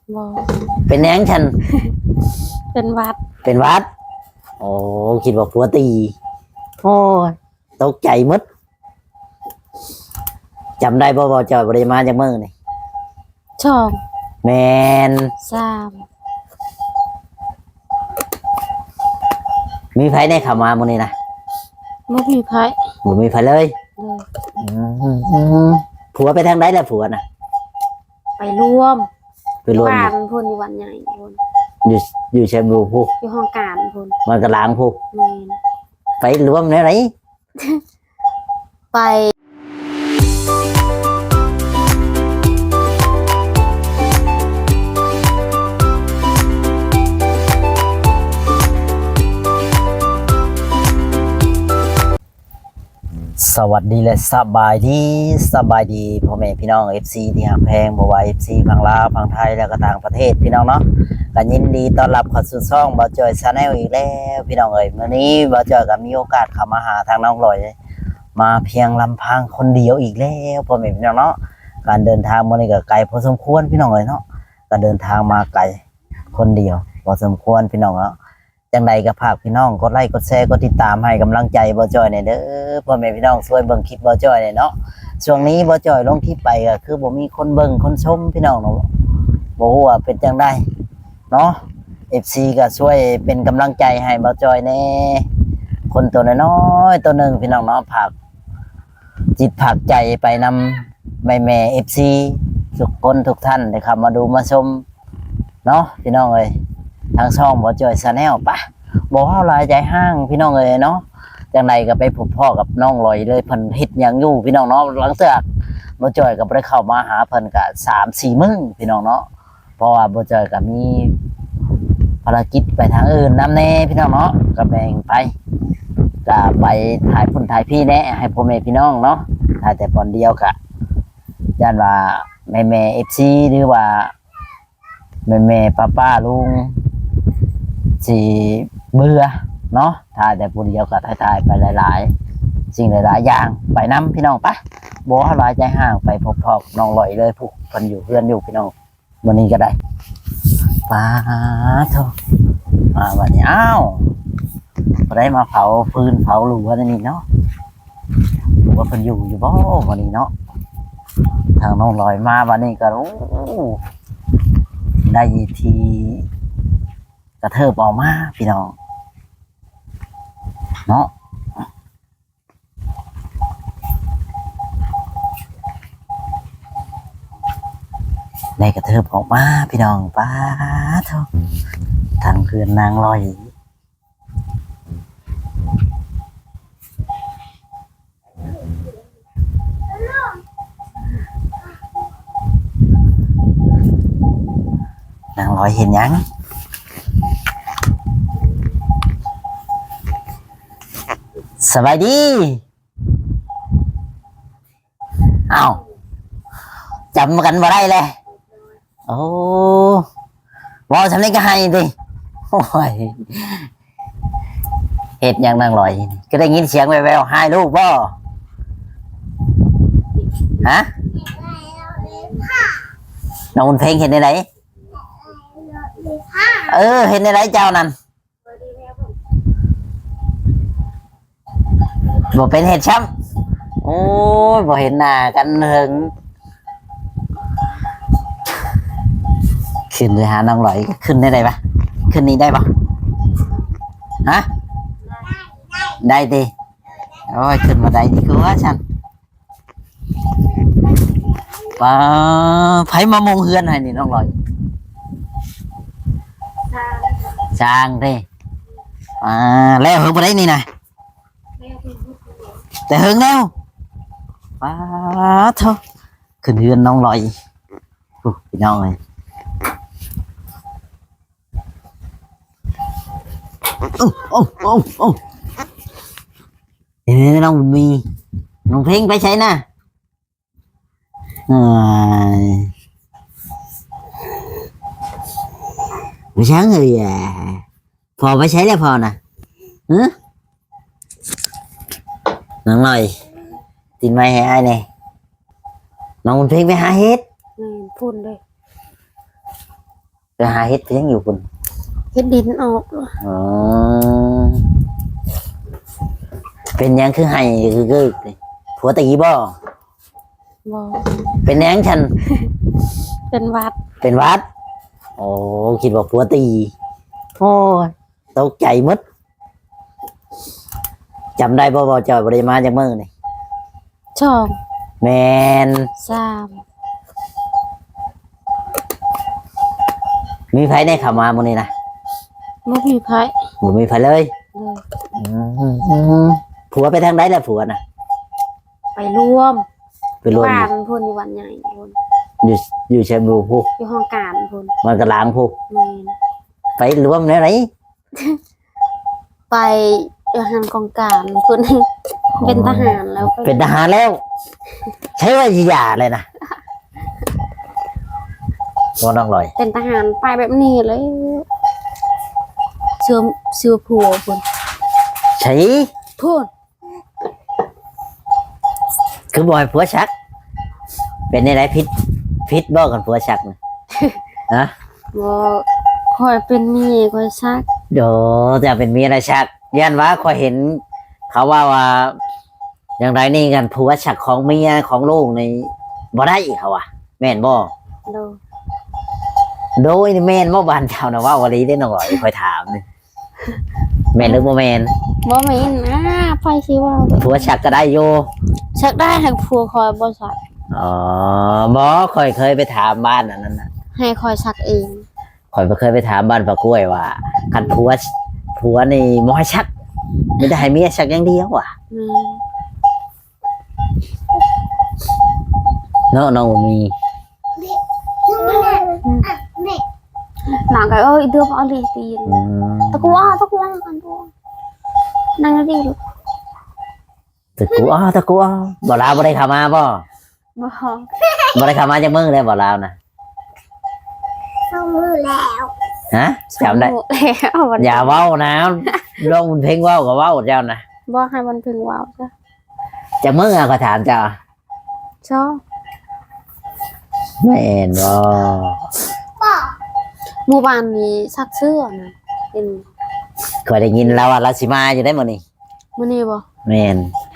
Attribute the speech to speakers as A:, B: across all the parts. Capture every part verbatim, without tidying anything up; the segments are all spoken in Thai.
A: บ่
B: เป็นแหนงฉัน
A: เป็นวัด
B: เป็นวัดโอ้คิดว่าผัวตีโอ้ยตกใจมดจำได้บ่บ่จอยบริมาจากเมื่อนี่
A: ช่อง
B: แมน
A: สาม
B: มีไผได้เข้ามามื้อนี้นะ
A: บ่มีไผ
B: บ่มีไผเลย
A: เลย
B: ผัวไปทางใดล่ะผัวน่ะ
A: ไปร่วม
B: ไปร่วม
A: บ้านพุ่นอยู่วันใหญ่พุ่น
B: อยู่อยู่เชียงบูผู้
A: อยู่ห้องการพุ่น
B: มันก็ล้างผู้
A: แม่น
B: ไปรวมแนวไหน
A: ไป
B: สวัสดีและสบายดีสบายดีพ่อแม่พี่น้อง เอฟ ซี ที่หักแพงบ่ว่า เอฟ ซี พังลาวพังไทยและก็ต่างประเทศพี่น้องเนาะก็ยินดีต้อนรับเข้าสู่ช่องบ่าวจอย Channel อีกแล้วพี่น้องเอ้ยมื้อนี้บ่าวจอยก็มีโอกาสเข้ามาหาทางน้องลอยมาเพียงลำพังคนเดียวอีกแล้วพ่อแม่พี่น้องเนาะการเดินทางมื้อนี้ก็ไกลพอสมควรพี่น้องเอ้ยเนาะก็เดินทางมาไกลคนเดียวพอสมควรพี่น้องเนาะจังใดก็ฝากพี่น้องกดไลค์กดแชร์กดติดตามให้กำลังใจบ่าวจอยหน่อยเด้อพ่อแม่พี่น้องช่วยเบิ่งคลิปบ่าวจอยหน่อยเนาะช่วงนี้บ่าวจอยลงคลิปไปก็คือบ่มีคนเบิ่งคนชมพี่น้องเนาะบ่ฮู้ว่าเป็นจังไดเนาะ เอฟ ซี ก็ช่วยเป็นกำลังใจให้บ่าวจอยแน่คนตัวน้อยๆตัวหนึ่งพี่น้องเนาะผักจิตผักใจไปนำแม่แม่ เอฟ ซี ทุกคนทุกท่านได้ครับมาดูมาชมเนาะพี่น้องเอ้ยทางช่องบ่าวจอย Channel ปะบ่เฮาหลายใจห้างพี่น้องเอ้ยเนาะจังไดก็ไปพบพ่อกับน้องลอยเลยเพิ่นเฮ็ดหยังอยู่พี่น้องเนาะหลังจากบ่าวจอยก็บ่ได้เข้ามาหาเพิ่นก็ สามสี่ มื้อพี่น้องเนาะเพราะว่าบ่าวจอยก็มีภารกิจไปทางอื่นนำแน่พี่น้องเนาะก็แบ่งไปก็ไปถ่ายพุ่นถ่ายพี่แน่ให้พ่อแม่พี่น้องเนาะถ่ายแต่ตอนเดียวก็ย่านว่าแม่แม่ เอฟ ซี หรือว่าแม่แม่ป้าป้าลุงสิเบื่อเนาะถ่ายแต่ผู้เดียวก็ถ่ายๆไปหลายๆสิ่งหลายๆอย่างไปนำพี่น้องปะบ่เฮาหลายใจห่างไปพบพ่อน้องลอยเลยผู้เพิ่นอยู่เพื่อนอยู่พี่น้องมื้อนี้ก็ได้ป้าโธ่มาวันนี้อ้าวได้มาเผาฟืนเผาหลัวนี่เนาะว่าเพิ่นอยู่อยู่บ่วันนี้เนาะทางน้องลอยมาวันนี้ก็โอ้ได้ทีกระเทิบออกมาพี่น้องเนาะได้กระเทิบออกมาพี่น้องป้าเท่าทางเพื่อนนางลอยนางลอยเห็นยังสบายดีอ้าวจำกันมาได้เลยโอ้วอฉันนี่ก็ให้ดิโอ้ยเห็ดยังนางลอยก็ได้ยินเสียงแววๆให้ลูกบ่ฮะน้องบุญเพ็งเห็นในไหนเออเห็นในไหนเจ้านั่นบ่เป็นเห็ดช้ำโอ้ยบ่เห็นหน้ากันหึงขึ้นเลยหาน้องลอยขึ้นได้ไหมปะขึ้นนี้ได้ปะฮะได้ดิโอ้ยขึ้นมาได้ดีกว่าฉันป้าไผมามงเฮือนให้นี่น้องลอยช่างดิอ่าแล้วหึงมาได้นี่นะแต่หึงแล้วป้าเท่าขึ้นเฮือนน้องลอยพี่น้องเลยโอ้โอ้โอ้โอ้เฮ้ยน้องมีน้องเพ่งไปใช้นะไม่ใช่เลยอ่ะพอไปใช้แล้วพอนะฮะน้องลอยติดไม้ให้ไอ้เนี่ยน้องเพ่งไปหาเฮ็ด
A: พูดเลย
B: ไปหาเฮ็ดเพียงอยู่คุณ
A: เฮ็ดดินออก
B: อ๋อเป็นหยังคือให้คือคือผัวตีบ่
A: บ่
B: เป็นหยังฉัน
A: เป็นหวัด
B: เป็นหวัดโอ้คิดว่าผัวตีโอ้ยตกใจหมดจำได้บ่บ่จอยบ่ได้มาจากเมืองนี่
A: ช่อง
B: แมน
A: สาม
B: มีไผได้เข้ามามื้อนี้นะ
A: บ่มีไผ
B: บ่มีไผเลย
A: เลย
B: อืมผัวไปทางใดล่ะผัวน่ะ
A: ไปรวม
B: ไปรวม
A: บ้านพุ่นอยู่วันใหญ่พุ่น
B: อยู่อยู่เชียงบูผู้
A: อยู่ห้องการพุ่น
B: มันก็ล้างผู้
A: แม่น
B: ไปรวมไหนไหน
A: ไปอยู่หันกองการพุ่น เป็นทหารแล้วไป
B: เป็นทหารแล้ว ใช้ว่าสิหย่าเลยนะบ่น้องลอย
A: เป็นทหารไปแบบนี้เลยเชื่อเชื่อผัวพุ่น
B: ใช้
A: พุ่น
B: คือบ่ให้ผัวชัก เป็นในไรพิษพิษบ่กันผัวชักนะฮะ
A: บ่คอยเป็นเมียคอยซัก
B: เดี๋ยวจะเป็นเมียอะไรชักยันว่าคอยเห็น เขาว่าว่า อย่างไรนี่กันผัวชักของเมียของลูกในบ่ได้เขาอ่ะ แม่นบ่
A: โดย
B: โดยนี่แม่นบ่บ้านเจ้านะว่าวันนี้ได้น้องลอยคอยถามนี่แม่นหรือบ่แม่น
A: บ่แม่นนะไปสิว่า
B: ผัวชักก็ได้อยู่
A: ชักได้ให้ผัวคอยบ่ซัก
B: อ๋อบ่คอยเคยไปถามบ้านอันนั้นน่ะ
A: ให้คอยซักเอง
B: คอยไปเคยไปถามบ้านปากล้วยว่าคันผัวผัวนี่บ่ให้ชักไม่ได้ให้เมียชักอย่างเดียวว่ะ
A: แม่
B: เนาะน้องบ่มี
A: หลังก็เอ้ยเดือบเอาเลยตีน
B: อืม
A: ตะกัวตะกัวกันตัวนั่งดีลูก
B: ตะกูอ้อตะกูอ้อบ่ลาวบ่ได้เข้ามาบ่
A: บ่
B: บ่ได้เข้ามาจากเมืองเลยบ่ลาวนะ
C: เข้ามือแล้ว
B: ฮะจำได้
A: แล้ววัน
B: อย่าเว้านะลองเพลงเว้าก็เว้าเจ้านะ
A: บ่ให้มันพึงว้าวจ้ะ
B: จากเมืองอะก็ถามเจ้า
A: ชอบ
B: แม่นบ่
C: บอก
A: หมู่บ้านนี้ซักเสื้อนะเป็น
B: เคยได้ยินแล้วว่าราสิมาอยู่ได้มื้อนี้
A: มื้อนี้บ่
B: แม่น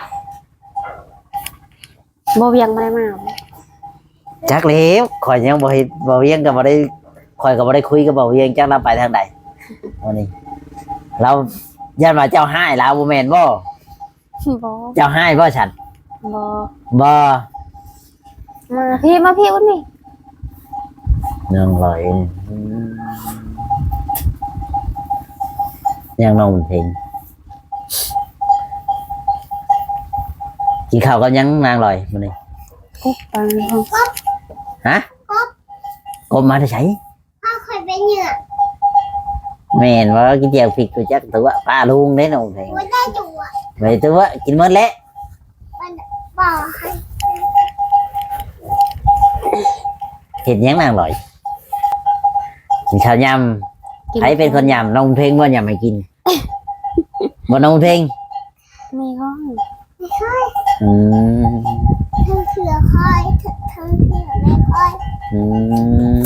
A: บ่เวียงบ่ได้มา
B: จักแล้วข่อยยังบ่เฮ็ดบ่เวียงก็บ่ได้ข่อยก็บ่ได้คุยกับบ่เวียงจักเราไปทางใดมื้อนี้เราย่านว่าเจ้าให้ลาวบ่แม่นบ่
A: บ่
B: เจ้าให้บ่ฉัน
A: บ่
B: บ่
A: มาพี่มาพี่คนนี้
B: น้องลอยยังน้องเพลงกินข้าวกับยังนางลอยมื้อนี้
A: กุ๊กปังห้อง
B: ฮะกบมาได้ใช้
C: พ่อเคยเป็นเหยื่อ
B: แม่นว่ากินเจียวพริกตัวจักตัวป้าลุงได้น้องเพลง
C: หัวได้จั่ว
B: ไปตัวกินหมดแล้ว
C: บอกให้
B: เห็นยังนางลอยกินข้าวยำใครเป็นคนยำน้องเพลงว่ายำให้กินบ่น้องเพลง
A: มีห้อง
C: ไม่ค่อย
B: อืม
C: ทั้งเสือค่อยทั้งเสือไม่ค่อย
B: อืม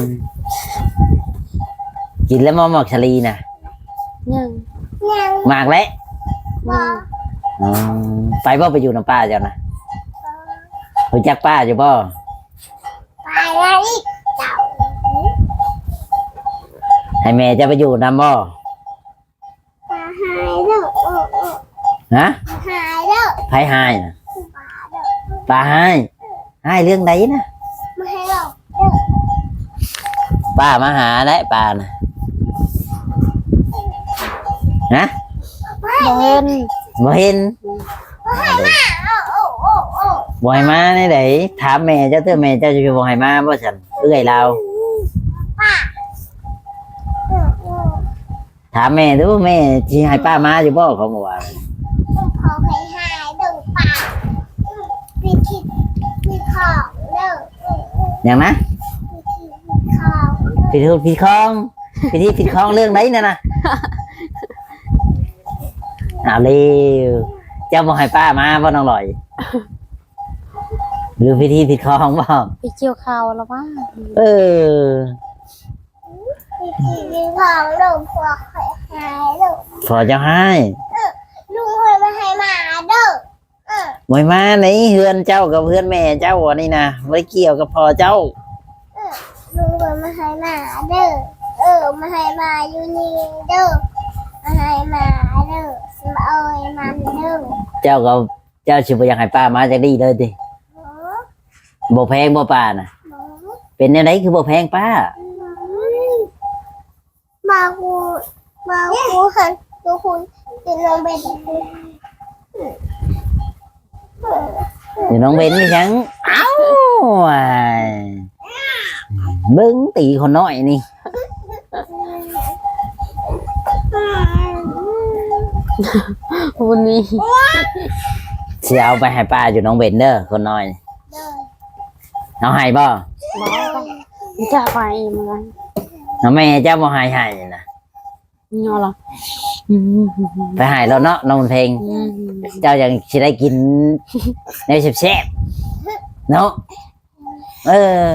B: กินแล้วมอหมอกชะลีนะ
A: ยัง
C: ยัง
B: มากแล้ว
C: บอก
B: อืมไปบ่ไปอยู่น้ำป้าเจ้านะรู้จักป้าอยู่บ่
C: ไปแล้วอีกเจ้า
B: ให้แม่จะไปอยู่นำบ่
C: ปลาหายแล้วโอ้โอ้
B: ฮะ
C: หายแล้ว
B: ไผหายนะ
C: ปลาแล้ว
B: ป้าหายหายเรื่องใดนะ
C: ไม่ให้หรอก
B: ป้ามาหาได้ป้านะฮะ
A: บ่เห็น
B: บ่เห็น
C: โอ้โอ้โอ้โอ้
B: บ่ให้มาในไหนถามแม่เจ้าเตื้อแม่เจ้าจะบ่ให้มาบ่ฉันเอื้อยเรา
C: ป้าโอ้โอ้
B: ถามแม่ดูแม่สิให้ป้ามาอยู่บ่เขาบอกว่า
C: พอไปหายดึงปลาพี่คิดพี่ของเลิก
B: อย่างนะ
C: พี่คิดพี่ของ
B: ผิดถูกผิดคองผิดที่ผิดคองเรื่องไหนน่ะนะเอาเร็วเจ้าบ่ให้ป้ามาบ่น้องลอย หรือพิธีผิดคองบ่
A: ไปเกี่ยวข้าวแล้วว่า
B: เออ
C: พี่มีของลุงพวกเคยหายลุง
B: พอเจ้าให้
C: ลุงเคยมาให้หมาเด้อเออ
B: มวยมาไหนเฮือนเจ้ากับเฮือนแม่เจ้าอันนี้นะไม่เกี่ยวกับพอเจ้า
C: ลุงเคยมาให้หมาเด้อเออมาให้หมาอยู่นี่เด้อมาให้หมาเด้อสมเอ้ยมันเด้อ
B: เจ้าก็เจ้าชิบอยากให้ป้ามาจากดีเลยดิ
C: หมู
B: บ่แพงบ่ป้านะ
C: หมู
B: เป็นแนวไหนคือบ่แพงป้า
C: มากูมากูหันตัวคุณกินลงไปดิ
B: เดี๋ยวน้องเบนนี่ยังเอ้าว่ายเบิ้งตีคนน้อยนี่
A: วันนี้
B: สิเอาไปให้ป้าอยู่น้องเบนเด้อคนน้อย
C: เด้อ
B: เอาให้บ่
A: บอกจะไปเหมือนกัน
B: เอาแม่เจ้าบ่ให้ให้นะ
A: เงาหรออืม
B: ไปให้แล้วเนาะน้องเพลง
A: อืม
B: เจ้ายังสิได้กินในแซ่บๆเนาะเออ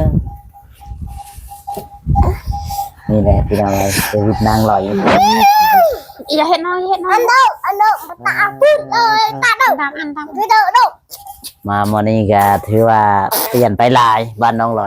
B: นี่แหละพี่น้องเลยชีวิตนางลอย
A: อย่าเห็นน้อยอย่าเห็นน้อ
C: อั
A: ย
C: นเด้ออันเด้อมาตาพึ่งเลยตาเด้อ
A: ตามอันตาม
C: พี่เด้อเด้อ
B: มาโมอนี้ก็ถือว่าเปลี่ยนไปหลายบ้านน้องลอย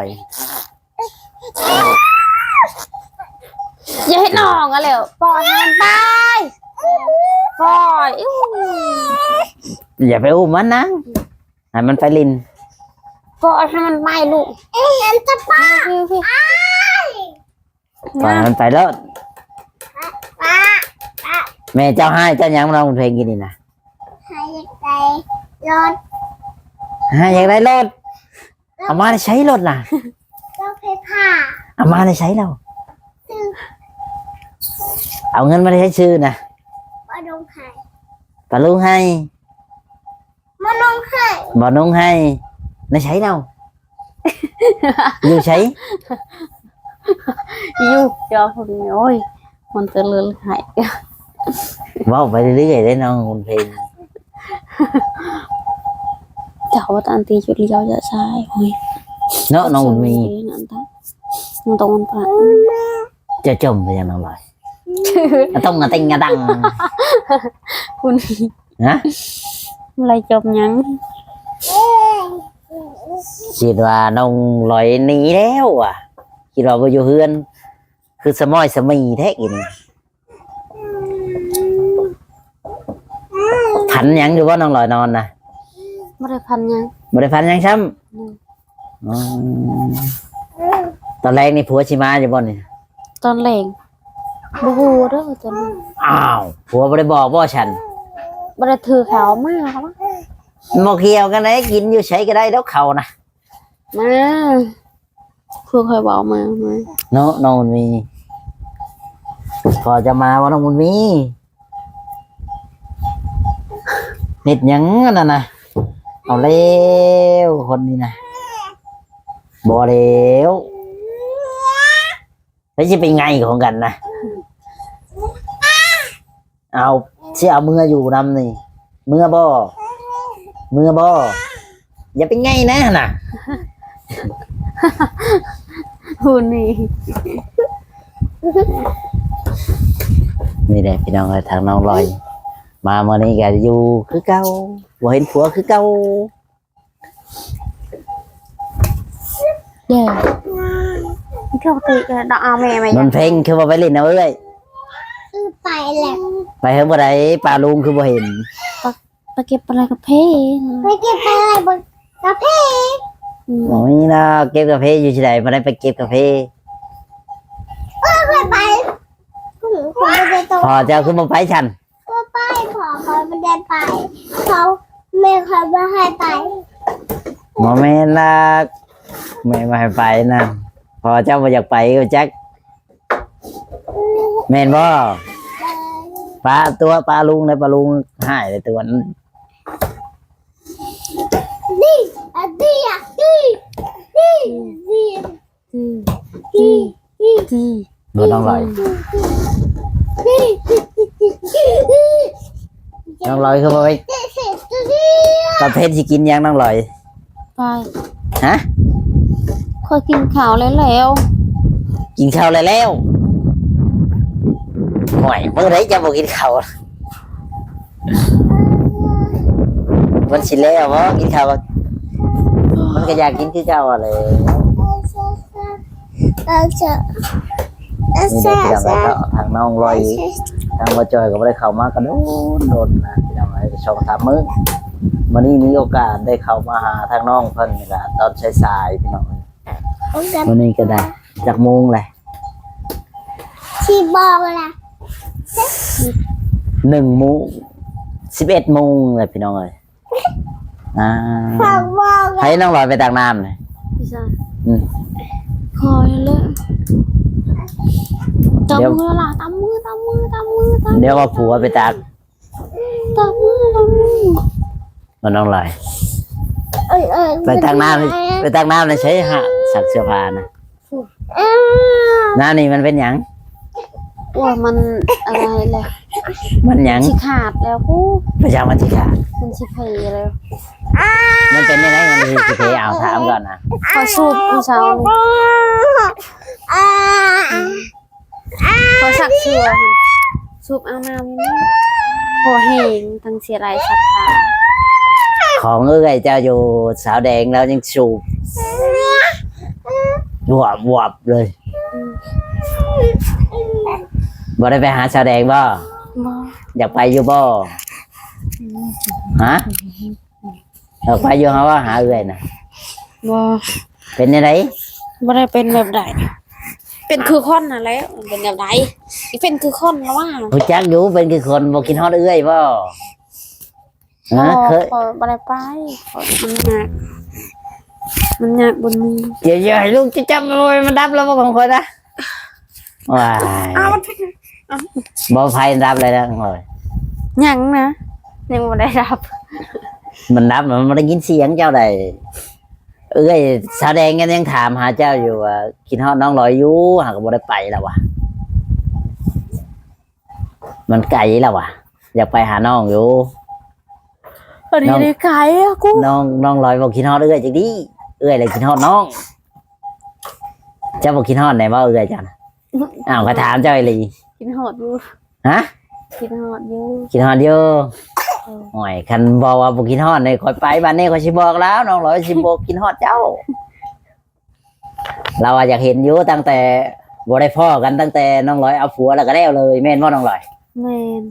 A: อย่าเห็นน้องอะเร็วปล่อยมันไปปล่อยอื้อ
B: อย่าไปอุ้มมันนะให้มันไปลิน
A: ปล่อยให้มันไปลูก
C: เอ็นจะป้า
A: พี่พี่
C: อ้าย
B: ปล่อยให้มันไปแล้ว
C: ป้า
B: แม่เจ้าให้เจ้ายังน้องเพลงกินนี่นะ
C: ให้ใจรถ
B: ให้อยากได้รถเอามาได้ใช้รถน่ะ
C: ก็เพผ่า
B: เอามาได้ใช้เรา
C: ซึ่ง
B: เอาเงินมาได้ใช้ชื่อนะ
C: มาลงไข่
B: ปลาลุงให้
C: มาลงไข่
B: บ่นุ่งให้ได้ใช้เราอยู่ใช้
A: ยูเจ้าคนนี้โอ้ยมันจะเลือนหาย
B: เว่าไปเรื่อยๆได้น้องคุณเพลง
A: เจ้าว่าตันตีจุดเลี้ยวจะใช่โอ้ย
B: เนาะน้องบุญมี
A: นั่นตาน้องตรงมันปะ
B: จะจมไปยังน้องลอยอะต้องอะติงอะตัง
A: คุณ
B: นะ
A: อะไรจบยัง
B: คิดว่าน้องลอยหนีแล้วอ่ะคิดว่าบ่อยู่เฮือน คือสมอยสมีแท้กินพันหยังอยู่ว่าน้องลอยนอนนะ
A: ไม่ได้พันยัง
B: บ่ได้พันหยังซ้ำอ๋อตอนแรกนี่ผัวชิมาอยู่บ่นี่
A: ตอนแหลงบูฮูเด้อจน
B: อ้าวผัวบ่ได้บอกบ่ฉัน
A: ไม่ได้ถือขาวมากครับ
B: บ่เกี่ยวกันได้กินอยู่ใช้ก็ได้แล้วเขานะ
A: มาเพื่อคอยบอกมามา
B: เนาะน้องบุญมี พอจะมาว่าน้องบุญมีเน็ดหยังนั่นนะเอาเร็วคนนี้นะบ่เร็วแล้วจะเป็นไงของกันนะเอาเสียเอามืออยู่นำนี่มือบ่มือบ่อย่าเป็นไงนะน่ะ
A: หุ่นนี่
B: นี่แหละพี่น้องเอ้ยทางน้องลอย มาเมื่อนี้ก็อยู่คือเก่าบ่เห็นผัวคือเก่า
A: เดี๋ยวเข้าตีกันดอกเอาแม่มา
B: มั
A: ยัง
B: นเพลงคือว่าไปเล่นเอาเอ้ย
C: คือไปแหละ
B: ไปเฮ็ดบ่ได้ปลาลุงคือบ่เห็น
A: ไปเก็บอะไรกับเพ่
C: ไปเก็บไปอะไรบนกาแฟ
B: โอ้ยนะเก็บกาแฟอยู่ที่ไหนบ่ได้ไปเก็บกาแฟ
C: เออไปไปคุณคุณไม่ได้ตัว
B: พอเจ้าคือบ่ไปฉัน
C: ตัวไปขอเขาไม่ได้ไปเขาไม่เขาไม่ให้ไป
B: บ่แม่นล่ะแม่บ่ให้ไปนะพอเจ้าบ่อยากไปก็จักแม่นบ่ปลาตัวปลาลุงเลยปลาลุงหายเลยตัวนั้น
C: ดีอ่ะดีอ่ะดีดีดี
A: ที่
C: ดีดี
A: ที่
B: บ่ต้องลอย
C: ดีดี
B: น้องลอยคือบ่ไป
C: ดี
B: ประเภทสิกินหยังน้องลอย
A: ไป
B: ฮะ
A: คอยกินข้าวแล้วแล้ว
B: กินข้าวแล้วแล้วห่วยเมื่อไรจะบอกกินข้าวมันสิแล้วเพราะกินข้าวมันก็อยากกินคือเก่าอะไร
C: เราจะ
B: นี่ได้พี่น้องแล้วทางน้องลอยทางว่าจอยก็ไม่ได้เข้ามากันโดนโดนนะพี่น้องไอ้ชอบทำมือวันนี้มีโอกาสได้เข้ามาหาทางน้องเพิ่นนี่แหละตอนสายๆพี่น้องวันนี้ก็ได้จากโมงเลย
C: ที่บอกล่ะ
B: หนึ่งโมงสิบเอ็ดโมงเลยพี่น้องเลยอ่า
C: ฝากบอก
B: ให้น้องลอยไปตักน้ำเลย
A: พี่ชาย
B: อืม
A: คอยเลยตามมือละตามมือตามมือตามมือตาม
B: เดี๋ยวว่าผัวไปตัก
A: ตามมือตามมือ
B: มันน้องลอย
C: เอ้ยเอ้ย
B: ไปตักน้ำไปตักน้ำเลยใช้หะสักเสื้อผ้านะน้ำนี่มันเป็นหยัง
A: ว่ามันอะไรเลย
B: มันหยัง
A: ชิขาดแล้วกู
B: ประจำวันที่ขาด
A: มันชิเพยแล้ว
B: มันเป็นยังไงมันคือสิเพเอาถามก่อนนะ
A: คอยสูบผู้สาวนี่คอยสักเชือสูบเอาน้ำนี่พอแห้งทั้งเสียไรสักขา
B: ของเอ้ยเจ้าอยู่สาวแดงแล้วยังสูบวบวบเลยบ่ได้ไปหาสาวแดงบ่
A: บ่
B: อยากไปอยู่บ่ฮะอยากไปอยู่ฮะว่าหาเอ้ยนะ
A: บ่
B: เป็นยังไง
A: บ่ได้เป็นแบบใดเป็นคือคนน่ะแล้วเป็นแบบใดอีเป็นคือคนแล้วว่า
B: ผู้จักอยู่เป็นคือคนบ่กินฮอดเอ้ยบ่ฮะเคย
A: ขอบ่ได้ไปขอมันยากมันยากบนนี้
B: เดี๋ยวๆให้ลูกจะจับมันไว้มันดับแล้วบ่ของคนนะว้ายบ่ไฟดับเลยนะโอ้ย
A: ยังนะยังบ่ได้รับ
B: มันดับมันไม่ได้ยินเสียงเจ้าใดเอ้ยสาวแดงกันยังถามหาเจ้าอยู่ว่ากินฮอดน้องลอยอยู่หากบ่ได้ไปแล้ววะมันไกลแล้ววะอยากไปหาน้องอยู่
A: อันนี้ได้ไกลอะกู
B: น้องน้องลอยบอกกินฮอดเอ้ยจังดีเอ้ยเลยกินฮอดน้องเจ้าบอกกินฮอดไหนบ่เอ้ยจังอ้าวก็ถามเจ้าไอ้ลี
A: กินหอดอยู่
B: ฮะ
A: กินหอดอยู่
B: กินฮอดอยู่โอ้ยคันบอกว่าบอกกินฮอดเนี่ยคอยไปบ้านนี้คอยสิบอกแล้วน้องลอยสิบอกกินฮอดเจ้า เราอะอยากเห็นอยู่ตั้งแต่บ่ได้พ่อกันตั้งแต่น้องลอยเอาผัวแล้วก็แล้วเลยแม่นบ่น้องลอย
A: แม่น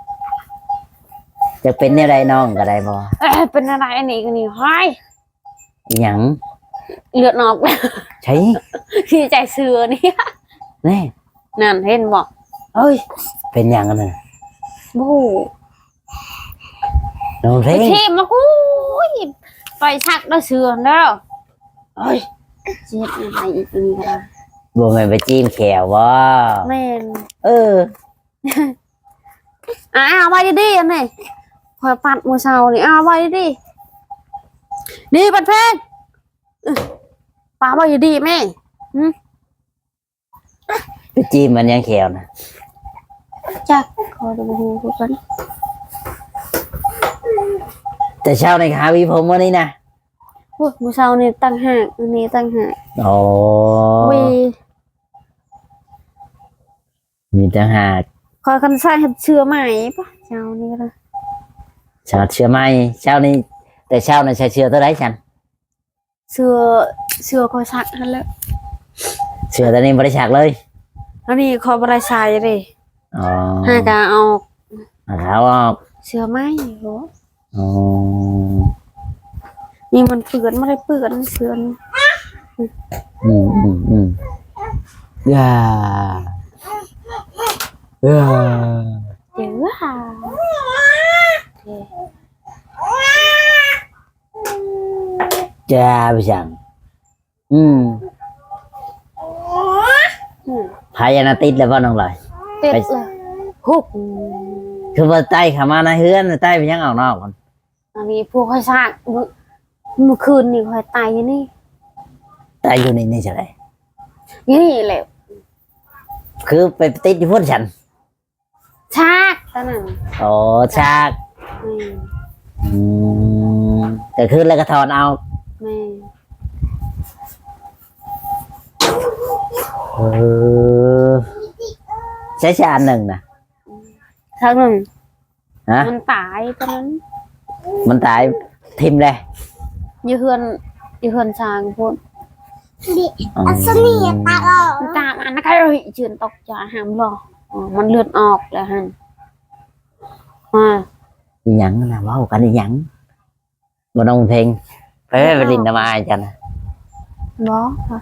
B: จะเป็นอะไรน้องก็ได้บ่
A: เอ้ยเป็นอะไรอันนี้กันนี่ห้อย
B: อีหยัง
A: เลือดออก
B: ใช่
A: ที่ใจเสือนี่
B: แน่
A: นั่นเห็นบ่
B: เอ้ยเป็นหยังกันน่ะ
A: บู
B: น้องเพล
A: ไป
B: ง
A: เทมากูยไปชักได้เสือแล้วเอ้ยเจ็บอะไรอีกนี่กัน
B: บ่แม่นไปจิ้มแขวบ่
A: แม่น
B: เออ
A: อ่าเอาไว้ดีๆอันนี้คอยปัดมือเช้านี่เอาไว้ดีๆนี่ปัดเพลงเอ้ยป้าไว้ดีๆแม่
B: ไปจิ้มมันยังแขวน่ะ
A: จักขอดูดูกัน
B: แต่เช้าในขาวิผมวันนี้นะ
A: โอ้ยมือเช้านี่ตั้งหากอันนี้ตั้งหาก
B: โอ้
A: วี
B: มีต่างหาก
A: คอยคันใส่เห็ดเชื้อใหม่ปะเช้านี้ก็ได้
B: ชาเชื่อไหมเช้านี้แต่เช้าในใช้เชื่อเท่าไรฉัน
A: เชื้อเชื้อคอยสักนั่นแหละ
B: เชื่อตอนนี้บริจาคเลย
A: อันนี้คอยบริใส่เลย
B: อ๋อ
A: หากาออก
B: เอาเท้าออก
A: เชื้อไหมโห
B: อ๋อ
A: นี่มันเปื้อนไม่ได้เปื้อนเชื้อนี่
B: อืมอืมอืมอย่าอย่า
A: เดี๋ยวค่ะ
B: จ้าพี่ช่างอืม
A: อืม
B: พายานาติดแล้วบ่น้องลอย
A: เต็ดเลยฮุบ
B: คือว่าใต้ขามาในเฮือนใต้ไปยังออกนอกก่อน
A: อันนี้พวกคอยสักเมื่อเมื่อคืนนี่คอยตายอยู่นี่
B: ใต้อยู่ในนี่ใช่ไหม
A: นี่แหละ
B: คือไปติดอยู่พุ่นฉัน
A: ชากตอนนั้น
B: โอ้ชาก
A: อืม
B: อืมแต่คืนแล้วก็ถอนเอา
A: แม่
B: เออใช้ชาอันหนึ่งนะ
A: ครั้งหนึ่ง
B: ฮะ
A: มันตายตอนนั้น
B: มันตายทิมเลย
A: อยืเฮือนอยืเฮือนช้างพูด
C: ดิอัศนีตาออก
A: มันตามอันนั้นก็เลยเชือนตกใจหามหรออ๋อมันเลือดออกแล้วฮะมา
B: อีหยังนะเว้ากันอีหยังบ่น้องเพลงไปไปลินทำไมจันนะ
A: บอค่ะ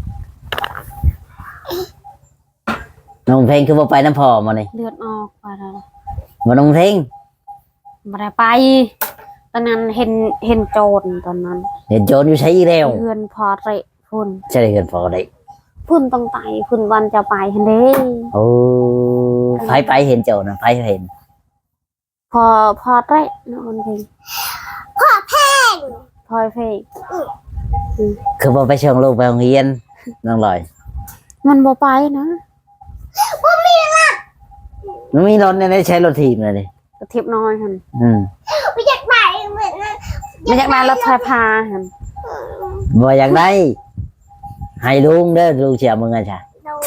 B: น้องเพลงคือบ่ไปน้ำพ่อมานี่
A: เลือดออกไปแล้ว
B: บ่น้องเพลง
A: ไม่ได้ไปตอนนั้นเห็นเห็นโจรตอนนั้น
B: เห็นโจรอยู่ใช้อีแล้ว
A: เฮือนพอเระพุ่น
B: ใช่เลยเกินพอได้
A: พุ่นต้องไตพุ่นวันจะไปเห็นเด้
B: โอ้ไผไปเห็นโจรนะไผเห็น
A: พอพอเระนะคนเพลง
C: พ่อแพง
A: พลอยเพลง
B: คือบ่ไปเชิงลูกไปโรงเรียนน้องลอย
A: มันบ่ไปนะ
B: มันมีรถเนี่ยได้ใช้รถถีบเลยดิ
A: กระเทียบน้อยหัน
B: อืม
C: ไม่อยากไปเหมือนนั้น
A: ไม่อยากได้รถไฟพาหัน
B: บ่อยากได้ให้ลุงเด้อลุงเสียมึงอ่ะจ้ะ
C: โดน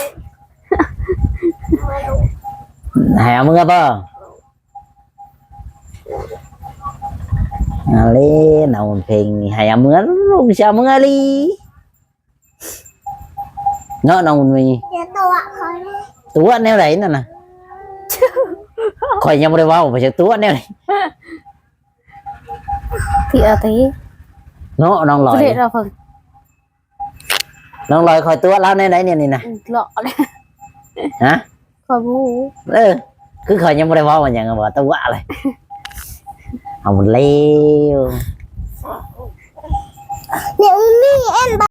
B: ให้เอามึงอ่ะป่ะอะไรน้องเพลงให้เอามึงลุงเสียมึงอะไรเนาะน้องมี
C: เดี๋ยวตัวเขา
B: ตัวแนวไหนนั่นน่ะข่อยยังไม่ได้เว่าไปจากตัวแนวไหน
A: ที่อาทิ
B: เนาะน้องลอย
A: เด็ดเราเพิ่ง
B: น้องลอยคอยตัวแล้วแนวไหนเนี่ยนี่นะ
A: หลอกเลย
B: ฮะ
A: คอยบู๊
B: เออคือข่อยยังไม่ได้เว่ามันยังบอกตัวอะไรเอาหมดเร็ว
C: เดี๋ยวนี่เอ็น